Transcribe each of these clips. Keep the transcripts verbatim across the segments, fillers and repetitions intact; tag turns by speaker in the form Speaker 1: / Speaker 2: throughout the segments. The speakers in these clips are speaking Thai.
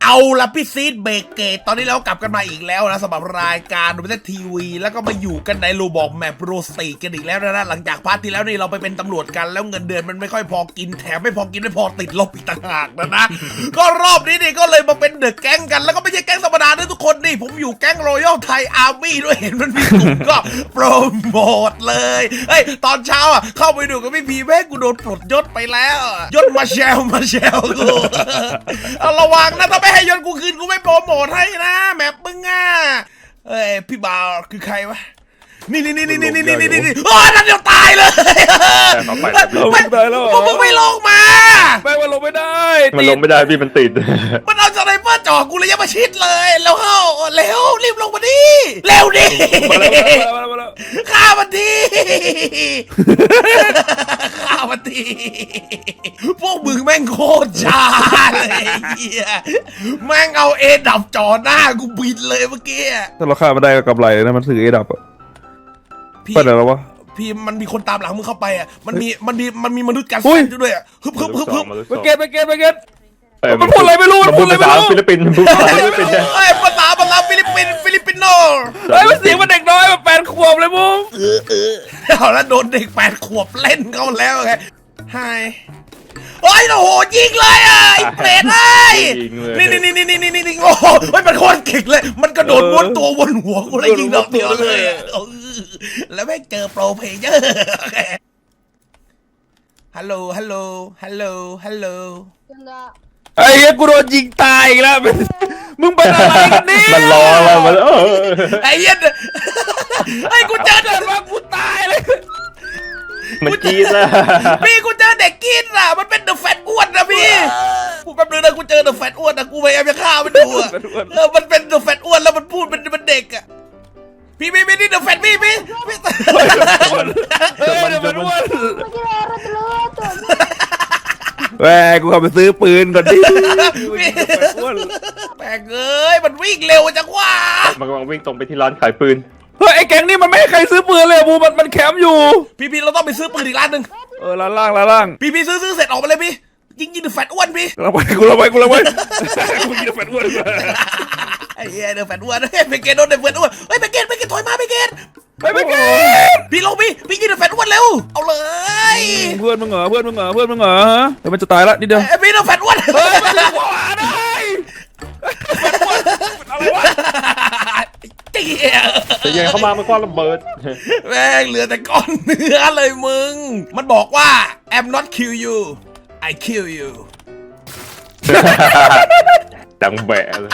Speaker 1: เอาละพี่ซีดเบรกเกตตอนนี้เรากลับกันมาอีกแล้วนะสำหรับรายการดูเป็นทีวีแล้วก็มาอยู่กันในโรบอกแมปโรสตีกันอีกแล้วนะหลังจากพาร์ทที่แล้วนี่เราไปเป็นตำรวจกันแล้วเงินเดือนมันไม่ค่อยพอกินแถมไม่พอกินไม่พอติดลบอีกต่างหากนะนะ ก็รอบนี้นี่ก็เลยมาเป็นเดอะแก๊งกันแล้วก็ไม่ใช่แก๊งธรรมดาด้วยทุกคนนี่ผมอยู่แก๊งรอยัลไทยอาร์มี่ด้วยเห็นมันมีกลุ่มก็โปรโมทเลยเฮ้ยตอนเช้าอ่ะเข้าไปดูกับพี่พีแม่กูโดนปลดยศไปแล้วยศมาแชลมาแชลกูเอาระวังนะถ้าไม่ให้ยศกูคืนกูไม่โปรโมทให้นะแมปมึงอ่ะเอ้ยพี่บ่าวคือใครวะนี่นี่นี่นี่นี่นี่นี่นี่โอ้ยนั่นเดี๋ยวตายเลย
Speaker 2: ไม่ได้แล้ว
Speaker 1: มึงไม่ลงมา
Speaker 2: ไม่มันลงไม่ได้มันลงไม่ได้พี่มันติด
Speaker 1: มันเอาสไนเปอร์จ่อกูเลยยังมาชิดเลยแล้วเข้าเร็วรีบลงมาดิเร็วดิฆ่ามันดิฆ่ามันดิพวกมึงแม่งโคตรช้าเลยเฮียแม่งเอาเอดับจ่อหน้ากูบินเลยเมื่อกี้
Speaker 2: ถ้าเราฆ่ามันได้ก็กำไรนะมันถือเอดับอะไปไหนแล้ววะ
Speaker 1: พี่มันมีคนตามหลังมึงเข้าไปอ่ะมันมีมันมีมันมีมนุษย์กันแซนด้วยอ่ะฮึบฮึบฮึบฮึบ
Speaker 2: ไปเก็ตไปเก็ตไปเก็ตมันพูดอะไรไม่รู้มันพูดอะไรไม่รู้ฟิลิปปินส์พูดภาษาฟิลิปปินส์
Speaker 1: เอ้ยภาษาภาษาฟิลิปปินส์ฟิลิปปินโน
Speaker 2: เฮ้ยมันเสียงมันเด็กน้อยมันแปดขวบเลยมึง
Speaker 1: เออเออเอาแล้วโดนเด็กแปดขวบเล่นเขาแล้วไงไฮโอ้ยโอ้โหยิงเลยอ่ะไอ้เป็ดไอ้นี่นี่นี่นี่นี่นี่นี่โอ้โหมันโคตรเก่งเลยมันกระโดดวนตัววนหัวกูเลยยิงดอกเดียวเลยแล้วแม่งเจอโปรเพลเยอร์ฮัลโหลฮัลโหลฮัลโหลฮัลโหล
Speaker 2: ไอ้เหี้ยกูโดนยิงตายอีกแล้วมึงเป็นอะไรกันนี่มันรอแล้วมัน
Speaker 1: ไอ้เหี้ยไอ้กูเจอเด็กว่ากูตายเลย
Speaker 2: มันกีดอะ
Speaker 1: พี่กูเจอเด็กกีดอะมันเป็นเดอะแฟตอ้วนนะพี่กูแป๊บนึงนะกูเจอเดอะแฟตอ้วนนะกูพยายามจะฆ่ามันดูอะเออมันเป็นเดอะแฟตอ้วนแล้วมันพูดเป็นเป็นเด็กอะพี่พี่พี่นี่เดอะแฟตพี่พี่พี่
Speaker 2: เฮ้ยเดอะแฟตอ้วนแหวกูขับไปซื้อปืนก่อนดิ
Speaker 1: แปลกเอ้ยมันวิ่งเร็วจังวะ
Speaker 2: มันกำลังวิ่งตรงไปที่ร้านขายปืนเฮ้ยไอ้แก๊งนี่มันไม่ให้ใครซื้อปืนเลยบูมันมันแคมป์อยู่
Speaker 1: พี่พี่เราต้องไปซื้อปืนอีกร้านหนึ่ง
Speaker 2: เออร้านล่างร้านล่าง
Speaker 1: พี่พี่ซื้อซื้อเสร็จออกมาเลยพี่ยิงยิงเดอะแฟตอ้วนพี่
Speaker 2: เราไปกูเราไปกูเราไปกูยิงเดอะแฟตอ้วน
Speaker 1: ไอ้เหี้ยเดอะแฟตอ้วนเฮ้ยไปเกตโดนเดอะแฟตอ้วนเฮ้ยไปเกตไปเกตถอยมาไปเกต
Speaker 2: ไปไปเกต
Speaker 1: พี่ลงพี่พี่ยิงเดอะแฟตอ้วนเร็วเอาเลย
Speaker 2: เพื่อนมึงเหรอเพื่อนมึงเหรอเพื่อนมึงเหรอเดี๋ยวมันจะตายละนิดเดียว
Speaker 1: พี่เดอะแฟตอ้วน
Speaker 2: เฮ้ยมันหัวได้อะไรวะ
Speaker 1: เจี๊ย
Speaker 2: แต่ยังเข้ามามันก้อนระเบิด
Speaker 1: แม่งเหลือแต่ก้อนเนื้อเลยมึงมันบอกว่า I'm not kill you I kill you
Speaker 2: ดังแบะเลย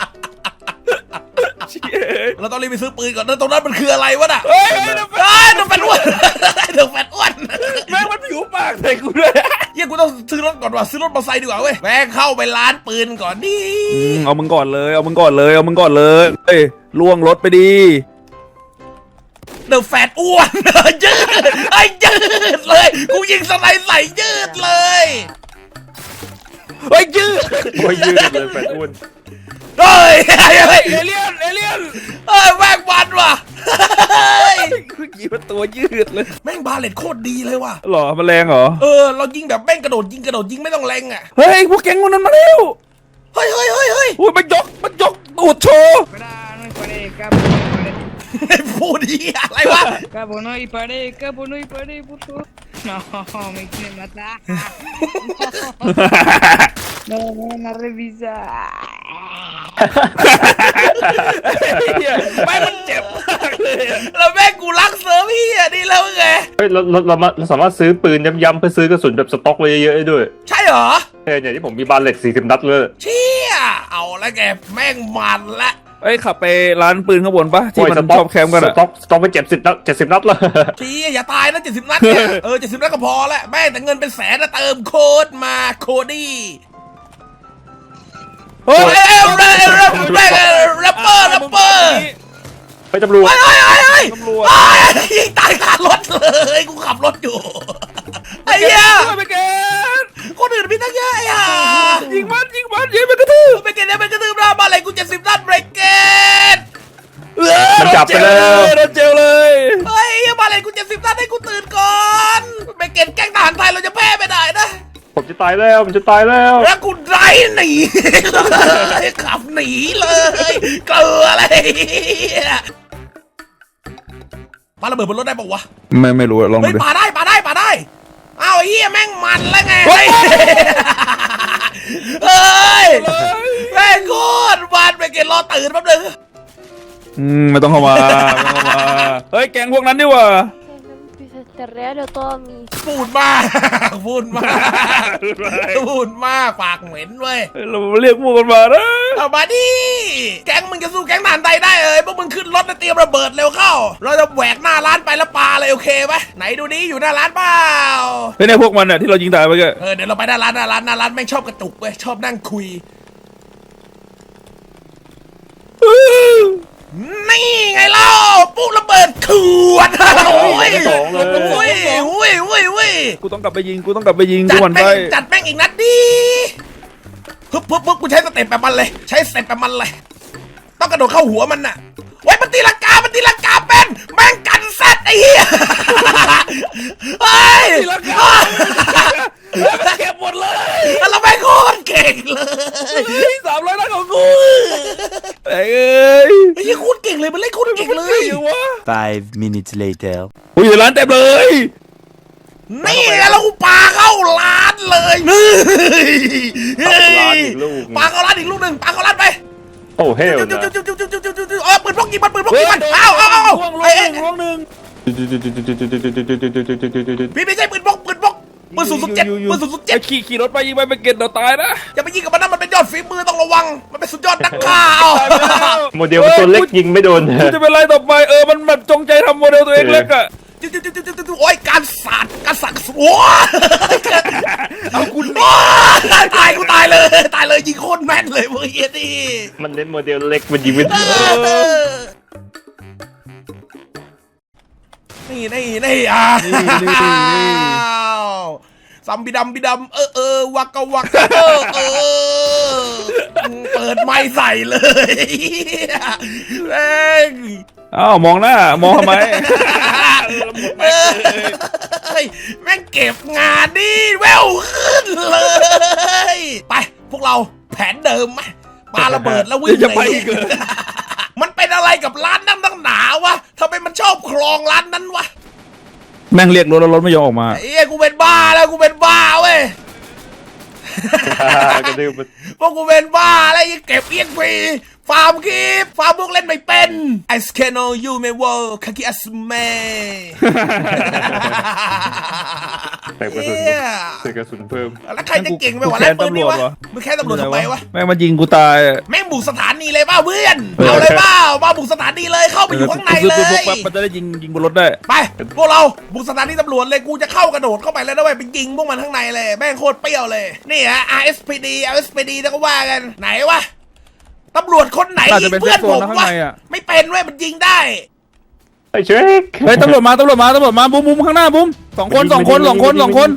Speaker 1: เราต้องรีบไปซื้อปืนก่อนนะตรงนั้นมันคืออะไรวะน่ะ
Speaker 2: เฮ้ย
Speaker 1: เดอะแฟตอ้วนเดอะแฟตอ้วน
Speaker 2: แม่งมันผิวปากใส่กูด้วย
Speaker 1: เฮ้ยกูต้องซื้อรถก่อนว่ะซื้อรถมอเตอร์ไซค์ดีกว่าเว้ยแม่งเข้าไปร้านปืนก่อนดิ
Speaker 2: เอามึงก่อนเลยเอามึงก่อนเลยเอามึงก่อนเลยเฮ้ยล่วงรถไปดี
Speaker 1: เดอะแฟตอ้วนยืดไอ้ยืดเลยกูยิงสไนใส่ยืดเลย
Speaker 2: เฮ้ยยืดโอ้ยยืดเลยแฟตอ้วน
Speaker 1: เฮ้ยเฮ้ย
Speaker 2: เอเลี่ยนเอเลี่ยน
Speaker 1: เฮ้ยแม่งบันว่ะ
Speaker 2: คือยิงเป็นตัวยืดเลย
Speaker 1: แม่งบาเลตโคตรดีเลยว่ะ
Speaker 2: หรอมันแรงเหรอ
Speaker 1: เออเรายิงแบบแม่งกระโดดยิงกระโดดยิงไม่ต้องแรงอ่ะ
Speaker 2: เฮ้ยพวกแก๊งคนนั้นมาเร็ว
Speaker 1: เฮ้ยเฮ้ยเฮ้ยเฮ้ย
Speaker 2: อุ้ยมันยกมันยกตูดโชว์
Speaker 1: พูดดีอะไรวะ
Speaker 3: Cabo no y paré, cabo no y paré, puto. No, me quiere matar. No, no, no revisa.
Speaker 1: ไม่มันเจ็บมากเลยแล้วแม่กูรักเซิร์ฟพี่อ่ะนี่แล้วไง
Speaker 2: เฮ้ยเราเราเราสามารถซื้อปืนย้ำๆเพื่อซื้อกระสุนแบบสต็อกไว้เยอะๆด้วย
Speaker 1: ใช่เหรอ
Speaker 2: เฮ้ยเนี่ยที่ผมมีบาเลตสี่สิบนัดเลย
Speaker 1: เชี่ยเอาแล้วแกแม่งมันละ
Speaker 2: เอ้ยขับไปร้านปืนข้างบนปะที่มันชอบแคมป์กันอะสต็อกสต็อกไปเจ็ดสิบนัดเจ็ดสิบนัดเลย
Speaker 1: พี่อย่าตายนะเจ็ดสิบนัดเนี่ยเออเจ็ดสิบนัดก็พอแล้วแม่แต่เงินเป็นแสนนะเติมโค้ดมาโคดี้เฮ้ยแรปเปอร์แรปเปอร์แรปเปอร์แรปเปอร์
Speaker 2: ไปตำรวจ
Speaker 1: ไอ้ไอ้ไอ้ไอ้ไอ้ยิงตายคารถเลยกูขับรถอยู่ไอ้เหี้ย
Speaker 2: ไปเกต
Speaker 1: คนอื่นมีตั้งเยอะไอ้ห่า
Speaker 2: ยิงมันยิงมันยิงมันกระทืบ
Speaker 1: ไปเกตเนี่ยไปกระทืบเรามาอะไรกูเจ็ดสิบนัดเบรกเกต
Speaker 2: มันจับไปแล้วโดนเจลเลย
Speaker 1: เฮ้ยมาอะไรกูเจ็ดสิบนัดให้กูตื่นก่อนเบรกเกตแกล้งทหารไทยเราจะแพ้ไม่ได้นะ
Speaker 2: ผมจะตายแล้วผมจะตายแล้ว
Speaker 1: แล้วกูได้หนีเลยขับหนีเลยเกลืออะไรปาระเบิดบนรถได้ปะวะ
Speaker 2: ไม่ไม่รู้อะลอง
Speaker 1: เฮ้ย
Speaker 2: ดู
Speaker 1: ปาได้ปาได้ปาได้อ้าวไอ้เหี้ยแม่งมันแล้วไง
Speaker 2: เฮ้ย
Speaker 1: เฮ้ยแม่งโคตรมันไปเกณฑ์รอตื่นแป๊บนึง
Speaker 2: อืมไม่ต้องเข้ามาไม่ต้องเข้ามาเฮ้ยแกงพวกนั้นดิว่ะ
Speaker 4: Te regalo todo mi
Speaker 1: พูดมากพูดมากพูดมากปากเหม็นเว้ย
Speaker 2: เราเรียกพวกกันมานะ
Speaker 1: เอามาดิแก๊งมึงจะสู้แก๊งทหารไทยได้เอ้ยพวกมึงขึ้นรถแล้วเตรียมระเบิดเร็วเข้า เราจะแหวกหน้าร้านไปแล้วปาเลยโอเคไหมไหนดูนี้อยู่หน้าร้านเปล่า
Speaker 2: เฮ้ยเนี่ยพวกมันอ่ะที่เรายิงตายไปก็
Speaker 1: เออเดี๋ยวเราไปหน้าร้านหน้าร้านหน้าร้านแม่งชอบกระตุกเว้ยชอบนั่งคุยนี่ไงเล่าปุ๊บระเบิดขวดโอ้ยโอ้ยโอ้ยโอ้ยโอ้ย
Speaker 2: กูต้องกลับไปยิงกูต้องกลับไปยิง
Speaker 1: จั
Speaker 2: กู
Speaker 1: ด
Speaker 2: หวัน
Speaker 1: แม่
Speaker 2: ไป
Speaker 1: งจัดแม่งอีกนัดดิปึ๊บปึ๊บปึ๊บกูใช้สเต็ปแบบมันเลยใช้สเต็ปแบบมันเลยต้องกระโดดเข้าหัวมันน่ะไว้มันตีลังกามันตีลังกาเป็นแม่งกันแซดไอ้เหี้ยเฮ้ย
Speaker 2: ตีลังกา เก็บหมดเลย
Speaker 1: เราแม่งโคตรเก่งเลย
Speaker 2: สามร้อยนัดของกูเอ้ย
Speaker 1: ไอ้เหี้ยโคตรเก่งเลยมันเล่นโคตรเก่งเลย
Speaker 2: อยู่วะ
Speaker 5: Five minutes later.
Speaker 2: กูอยู่ร้านเต็มเลย
Speaker 1: นี่ไงแล้วกูปาเข้าร้านเลยนี่เฮ้ยปาเข้าร้านอีกลูกหนึ่งปาเข้าร้านไป
Speaker 6: โอ้เฮล
Speaker 1: จุ๊บ
Speaker 6: นะ
Speaker 1: จุ๊บจุ๊บจุ๊บจุ๊บจุ๊บจุ๊บจุ๊บเออปืนพกยิงมันปืนพกยิงมันเอาเอาเอา
Speaker 2: ล่วงล่ว
Speaker 1: เอ้
Speaker 2: ง
Speaker 1: ย
Speaker 2: ล่วงหนึ่ง
Speaker 1: พี่ไม่ใช่ปืนพกปืนพกปืนศูนย์ศูนย์เจ็ดปืนศูนย์ศูนย์เจ็ด
Speaker 2: ขี่ขี่รถไปยิงไปไปเก็ตเดี๋ยวตายนะ
Speaker 1: อย่าไปยิงกับมันนะมันเป็นยอดฝีมือต้องระวังมันเป็นสุดยอดนักฆ่าเอา
Speaker 6: โมเดลมันตัวเล็กยิงไม่โดน
Speaker 2: กูจะเป็นไรต่อไปเออมันแบบจงใจทำโมเดลตัวเองเล็กอะ
Speaker 1: จุ๊บจุ๊บจุ๊บจุ๊บจุ๊บโอ้ยการสาดการสักโอ้ย
Speaker 2: เอากู
Speaker 1: โอ้ยตายกูตายเลยตายเลยยิงโคตรแม่นเลยเว้ยนี่
Speaker 6: มันเล่นโมเดลเล็กมันยิงไม่โดน
Speaker 1: นี่นี่นี่อ่ะซัมบิดำบิดำเออเออวักกะวักกะเออเออเปิดไม้ใส่เลยแม่ง
Speaker 2: อ้าวมองหน้ามองทำไม
Speaker 1: เอ้ยแม่งเก็บงานดิแววขึ้นเลย ไปพวกเราแผนเดิมไหมปาระเบิดแล้ววิ่ง
Speaker 2: จะไปอีกเหรอ
Speaker 1: มันเป็นอะไรกับร้านนั่งตั้งหนาวะทำไมมันชอบครองร้านนั้นวะ
Speaker 2: แม่งเรียกรถแล้วรถไม่ยอมออกมา
Speaker 1: ไอ้เอ้ยกูเป็นบ้าแล้วกูเป็นบ้าเว้ย
Speaker 6: กระดืบมัน
Speaker 1: พวกกูเป็นบ้าอะไรยังเก็บเอียงฟรีฟาร์มคลิปฟาร์มพวกเล่นไม่เป็นไอสแคนโนยูเมวอลคากิอัสเม
Speaker 6: ใส่กระสุนใส่กระสุนเพิ่ม
Speaker 1: แล้วใครจะเก่งไปกว่าเล่นปืนนี่วะมึงแค่ตำรวจทำไมวะ
Speaker 2: แม่งมายิงกูตายอะ
Speaker 1: แม่งบุกสถานีเลยเปล่าเพื่อนเอาเลยเปล่ามาบุกสถานีเลยเข้าไปอยู่ข้างใน
Speaker 2: กู
Speaker 1: เล
Speaker 2: ซื้อปืนพก
Speaker 1: ย
Speaker 2: แป๊บมันจะได้ยิงยิงบนรถได้
Speaker 1: ไปพวกเราบุกสถานีตำรวจเลยกูจะเข้ากระโดดเข้าไปแล้วนะเว้ยไปยิงพวกมันข้างในเลยแม่งโคตรเปรี้ยวเลยนี่ฮะ อาร์ เอส พี ดี อาร์ เอส พี ดี แล้วก็ว่ากันไหนวะตำรวจคนไหน
Speaker 2: น่า
Speaker 1: ยิ
Speaker 2: จะ
Speaker 1: ง
Speaker 2: เป็น
Speaker 1: เพื่อนผม
Speaker 2: เซฟโซนนะข้าง
Speaker 1: วะ
Speaker 2: ในอะ
Speaker 1: ไม่เป็นเว้ยมันยิงได้
Speaker 6: ไอ้เชค
Speaker 2: เฮ้ยตำรวจมาตำรวจมาตำรวจมาบุ้มบุ้มข้างหน้าบุ้มสองคนสองคนสองคนสองคน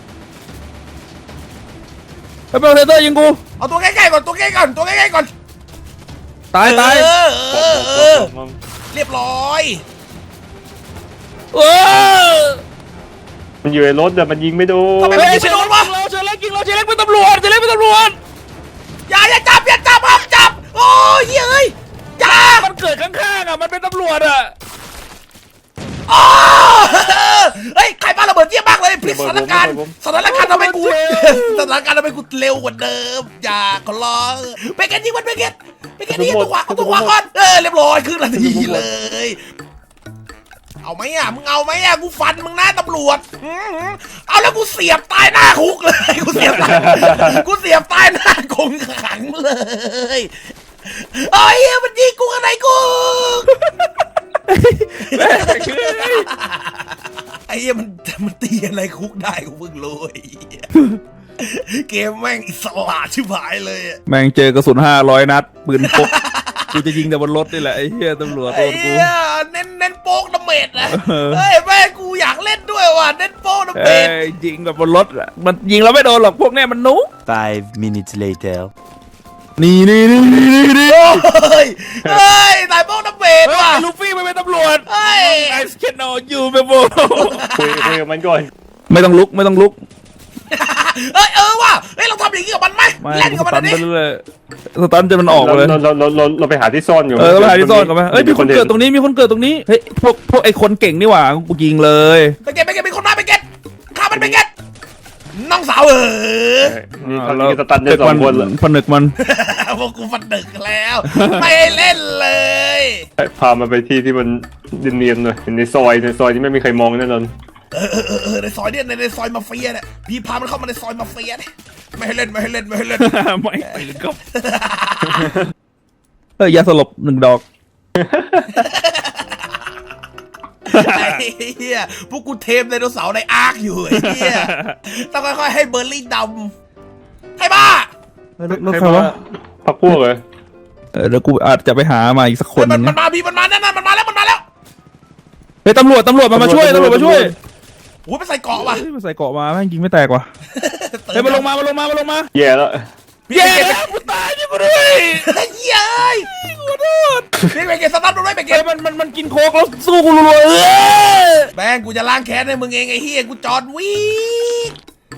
Speaker 2: ไปเปลเทเตอร์ยิงกู
Speaker 1: เอาตัวใกล้ๆก่อนตัวใกล้ๆก่อนตัวใกล้ๆก่อน
Speaker 2: ตายตาย
Speaker 1: เออเออเออเรียบร้อย
Speaker 2: เออ
Speaker 6: มันอยู่ในรถแต่มันยิงไม่โดน
Speaker 1: ทำไม
Speaker 2: เฮ้
Speaker 1: ไม่
Speaker 2: ย
Speaker 1: ยิงไม่โดนวะ
Speaker 2: เราเชิญเล็กยิงเราเชิญเล็กเป็นตำรวจเชิญเล็กเป็นตำรวจ
Speaker 1: อย่าอย่าจับอย่าจับห้ามจับโอ้ยเฮ้ยอย่า
Speaker 2: มันเกิดข้างๆอ่ะมันเป็นตำรวจอ่ะ
Speaker 1: อ๋อเฮ้ยใครบ้าระเบิดเยี่ยมมากเลยพลิกสถานการณ์สถานการณ์ทำให้กูสถานการณ์ทำให้กูเร็วกว่าเดิมอย่าขอร้องไปเก็ตยิงมันไปเก็ตไปเก็ตยิงตัวขวาเอาตัวขวาก่อนเออเรียบร้อยขึ้นนาทีเลยเอาไหมอ่ะมึงเอาไหมอ่ะกูฟันมึงหน้าตำรวจอื้อหือเอาแล้วกูเสียบตายหน้าคุกเลยกูเสียบตายกูเสียบตายหน้าคงขังเลยเอ้ยมันยิงกูกันไหนกูไอ้เหี้ยมันมันตีอะไรคุกได้กูเพิ่งรู้ไอ้เหี้ยเกมแม่งอิสระชิบหายเลยอะ
Speaker 2: แม่งเจอกระสุนห้าร้อยนัดปืนพกกูจะยิงแต่บนรถนี่แหละไอ้เหี้ยตำรวจโด
Speaker 1: ไอ้
Speaker 2: นกู
Speaker 1: เหี้ยเน้นเน้นโป๊กดาเมจนะ
Speaker 2: เออ
Speaker 1: เฮ้ยแม่งกูอยากเล่นด้วยว่ะเน้นโป๊กดาเม
Speaker 2: เอ้
Speaker 1: จ
Speaker 2: ยยิงแบบบนรถอะมันยิงแล้วไม่โดนหรอกพวกเนี้ยมันนุ๊ก
Speaker 5: Five minutes later.
Speaker 2: นี่นี่นี่นี่นี่
Speaker 1: เฮ้ยเฮ้ยตายโป๊กดาเมจ
Speaker 2: เฮ้ย
Speaker 1: ว่ะ
Speaker 2: ลูฟี่ไม่เป็นตำรวจ
Speaker 1: เฮ้ย
Speaker 2: ไอสเคนอยูเปโบ
Speaker 6: คุยคุยกับมันก่อน
Speaker 2: ไม่ต้องลุกไม่ต้องลุก
Speaker 1: เอ้ยเออว่ะเฮ้ยเราทำอย่างนี้กับมันไหม
Speaker 2: ไม่
Speaker 1: เล่นกับ
Speaker 2: ส
Speaker 1: มัน
Speaker 2: ตัน
Speaker 1: ดิ
Speaker 2: ไปเรื่อยสตันจะมันออก
Speaker 6: เรา
Speaker 2: เลย
Speaker 6: เราเราเราเราไปหาที่ซ่อนอยู่
Speaker 2: เออเราไปหาที่ซ่อนกันไหมเอ้ยมีคนเกิดตรงนี้มีคนเกิดตรงนี้เฮ้ยพวกพวกไอ้คนเก่งนี่หว่ากูยิงเลย
Speaker 1: ไปเก็ตไปเก็ตมีคนมาไปเก็ตฆ่ามันไปเก็ตน้องสาวเออ
Speaker 6: นี่เขามีสตันได้สองคนเลย
Speaker 2: ผนึกมัน
Speaker 1: พวกกูฟันดึกแล้ว ไม่ให้เล่นเลย
Speaker 6: พามาไปที่ที่มันเนียนๆหน่อยในซอยในซอยที่ไม่มีใครมองแน่นอน
Speaker 1: เออเออเออเออในซอยเนี่ยในในซอยมาเฟียเนี่ยพี่พามันเข้ามาในซอยมาเฟียเนี่ยไม่ให้เล่นไม่ให้เล่นไม่ให้เล่น
Speaker 2: ไม่ตื่นครับเออยาสลบหนึ่งดอก
Speaker 1: ไอ้เหี้ยพวกกูเทมไดโนเสาร์ในอาร์คอยู่ไอ้เหี้ยต้องค่อยๆให้เบอร์ลี่ดำให้บ้า
Speaker 2: รถใครวะ
Speaker 6: พักพวกเลย
Speaker 2: เออเดี๋ยวกูอาจจะไปหามาอีกสักคน
Speaker 1: มัน
Speaker 2: นึง
Speaker 1: มันมาพี่มันมาแน่นอนมันมาแล้วมันมาแล้ว
Speaker 2: เฮ้ยตำรวจตำรวจมามาช่วยตำรวจมาช่วย
Speaker 1: โอ้ยไปใส่เกาะว่ะ
Speaker 2: เฮ้ยมาใส่เกาะมาแม่งยิงไม่แตกว่ะเฮ้ยมาลงมามาลงมามาลงมา
Speaker 6: แย่แล้ว
Speaker 1: พี่
Speaker 2: เย้
Speaker 1: ไปเก็ต
Speaker 2: กูตายนี่มาด้วย
Speaker 1: ไอ้เหี้ยเอ้ย
Speaker 2: ขอโทษ
Speaker 1: พี่ไปเก็ตสตาร์ทรถไว้ไป
Speaker 2: เฮ้
Speaker 1: เก็
Speaker 2: ย
Speaker 1: ต
Speaker 2: มันมันมันกินโค้กแล้วสู้กูรัวๆเออ
Speaker 1: แม่งกูจะล้างแค้นให้มึงเองไอ้เหี้ยกูจอดวิ่ง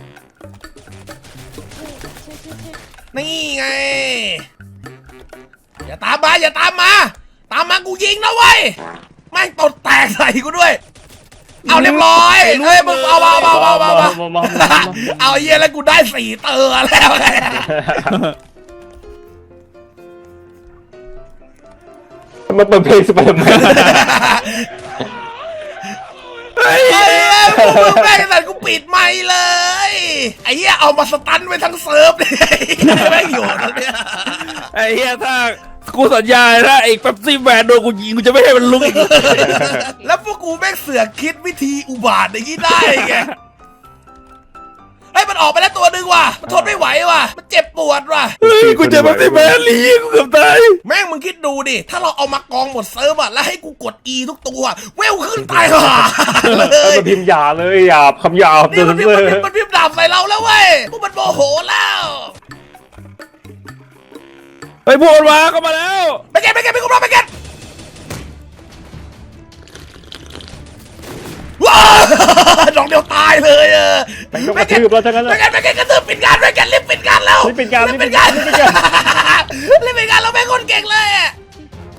Speaker 1: นี่ไงอย่าตามมาอย่าตามมา ตามมากูยิงนะเว้ยแม่งตดแตกใส่กูด้วย เอาเรียบร้อยเฮ้ยมึงเอาเอาเอาเอาเอาเอาเอาเยี่ยแล้วกูได้สี่เตอร์แล้วไง
Speaker 6: มาเปิดเพลงสไปเดอร์แมน
Speaker 1: ไอ้เหี้ยพวกมึงแม่งแต่กูปิดไมค์เลยไอ้เหี้ยเอามาสตันไว้ทั้งเซิร์ฟเลยแม่งอยู่ตรงเนี้ย
Speaker 2: ไอ้เหี้ยถ้ากูสัญญาถ้าไอ้แป๊บซี่แมนโดนกูยิงกูจะไม่ให้มันลุกอีก
Speaker 1: แล้วพวกกูแม่งเสือกคิดวิธีอุบาทอย่างนี้ได้ไงเฮ้ยมันออกไปแล้วตัวหนึ่งว่ะมันทนไม่ไหวว่ะมันเจ็บปวดว่ะ
Speaker 2: เฮ้ยกูเจอแป๊บซี่แมนลีกูเกือบตาย
Speaker 1: แม่งมึงคิดดูดิ ถ้าเราเอามากองหมดเซิร์ฟอะแล้วให้กูกด E ทุกตัว เวลขึ้นตายห่าเล
Speaker 6: เออย มาพิมพ์หยาเลยหยาบคำหยาบ
Speaker 1: นี่มันพิมพ์
Speaker 6: เล
Speaker 1: มัน
Speaker 6: ย
Speaker 1: พิมพ์มันพิมพ์ดาบใส่เราแล้วเว้ยพวกมันโมโหแล้ว
Speaker 2: ไปพวกมันมาเข้ามาแล้ว
Speaker 1: ไปเก็ตไปเก็ตไปกุมรอไปเก็ตว้าวดอกเดียวตายเลยเออ
Speaker 6: ไปก็กระทืบแล้วทั้งนั้น
Speaker 1: ไปเก็ตไปเก็ตกระทืบปิดงานไปเก็ตรีบปิดงานแล้ว
Speaker 6: รีบปิดงาน
Speaker 1: รี
Speaker 6: รี
Speaker 1: บบ ปิ
Speaker 6: ปิ
Speaker 1: ด
Speaker 6: ด
Speaker 1: งาง
Speaker 6: าน นรีบปิดงาน
Speaker 1: รีบปิดงานเราเป็นคนเก่งเลยอะ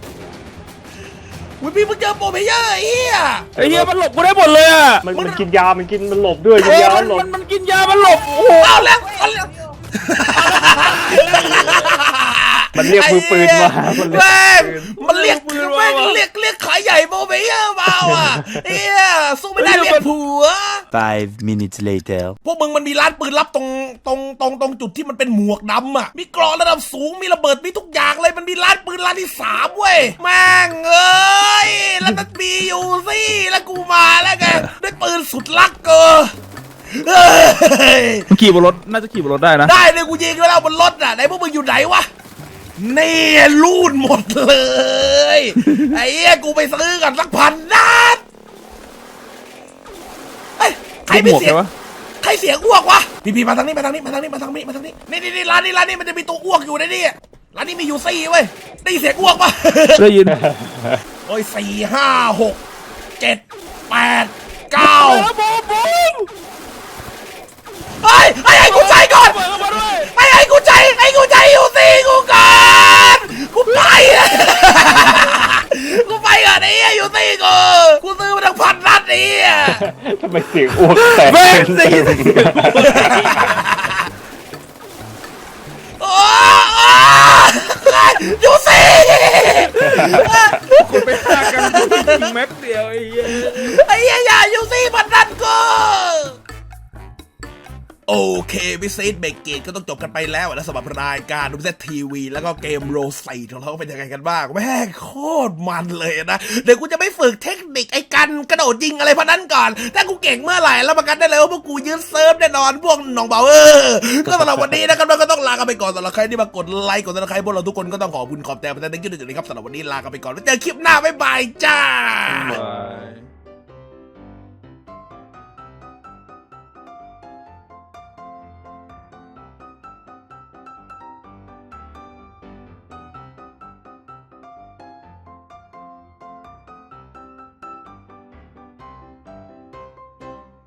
Speaker 1: อุ้ยพี่เพิ่งเจอโปรเพเยอร์ไอ้เหี้ย
Speaker 2: ไอ้เหี้ยมันหลบกูได้หมดเลยอ่ะ
Speaker 6: มันมันกินยา มันกินมันหลบด้วยกิ
Speaker 2: เอน อย
Speaker 6: า
Speaker 2: มัน
Speaker 6: หลบ
Speaker 2: มันมันกินยามันหลบโอ้โห
Speaker 1: เอาแล้วเอาแล้ว
Speaker 6: มันเรียกมือปืนมามันเรียก
Speaker 1: แม่งมันเรียกแม่งเรียกเรียกขายใหญ่โมเบเยอร์มาว่ะเฮียสู้ไม่ได้เรียกผัว
Speaker 5: Five minutes later.
Speaker 1: พวกมึงมันมีร้านปืนลับตรงตรงตรงตรงจุดที่มันเป็นหมวกดำอ่ะมีกรองระดับสูงมีระเบิดมีทุกอย่างเลยมันมีร้านปืนร้านที่สามเว้ยแม่งเอ้ยแล้วมันมีอยู่สิแล้วกูมาแล้วไงด้วยปืนสุดลักเกอเฮ้ย
Speaker 2: มันขี่บนรถน่าจะขี่บนรถได้นะ
Speaker 1: ได้เลยกูยิงไปแล้วบนรถอ่ะไหนพวกมึงอยู่ไหนวะนี่ลูดหมดเลยไอ้เหี้ยกูไปซื้อกันสักพันนัดเฮ้ยใคร
Speaker 2: ห
Speaker 1: ไม่
Speaker 2: มวก
Speaker 1: เสีย
Speaker 2: ใช่
Speaker 1: ง
Speaker 2: ปะ
Speaker 1: ใครเสียงอ้วกวะพี่พี่มาทางนี้มาทางนี้มาทางนี้มาทางนี้มาทางนี้นี่นี่นี่ร้านนี้ร้านนี้มันจะมีตัวอ้วกอยู่ในนี่ร้านนี้มีอยู่สี่เว้ยได้ยินเสียงอ้วกปะ
Speaker 2: ได้ยิน
Speaker 1: โอ้ยสี่ห้าหกเจ็ดแปดเก้า
Speaker 2: บูมบูม
Speaker 1: เฮ้ยไอ้ไอ้กูใจก่อน
Speaker 2: เปิดเข้ามาด้วย
Speaker 1: ไอ้ไอ้กูใจไอ้กูใจอยู่สิกูก่อนกูไปอะกูไปก่อนไอ้เหี้ยอยู่สิกูกูซื้อมาทั้งพันนัดไอ้เหี้ย
Speaker 6: ทำไมเสียงอ้วกแตก
Speaker 2: แม่งได้ยิน
Speaker 1: โอ้ยอยู่สิ
Speaker 2: คนไปฆ่ากันยิงแม็กเดียวไอ้เหี้ย
Speaker 1: ไอ้เหี้ยอย่าอยู่สิพันนัดกูโอเควิซีดเบรกเกตก็ต้องจบกันไปแล้วนะสำหรับรายการดูเซตทีวีแล้วก็เกมโรไซของเราเป็นยังไงกันบ้างแม่งโคตรมันเลยนะเดี๋ยวกูจะไม่ฝึกเทคนิคไอ้กันกระโดดยิงอะไรพวกนั้นก่อนถ้ากูเก่งเมื่อไหร่แล้วประกันได้เลยว่าพวกกูยืนเซิร์ฟแน่นอนพวกน้องเบาเออก็สำหรับวันนี้นะครับเราก็ต้องลากันไปก่อนสำหรับใครที่มากดไลค์กดซับสไครต์พวกเราทุกคนก็ต้องขอบคุณขอบแต่ประเด็นที่หนึ่งนะครับสำหรับวันนี้ลากันไปก่อนแล้วเจอคลิปหน้าบ๊ายบายจ้า
Speaker 2: บาย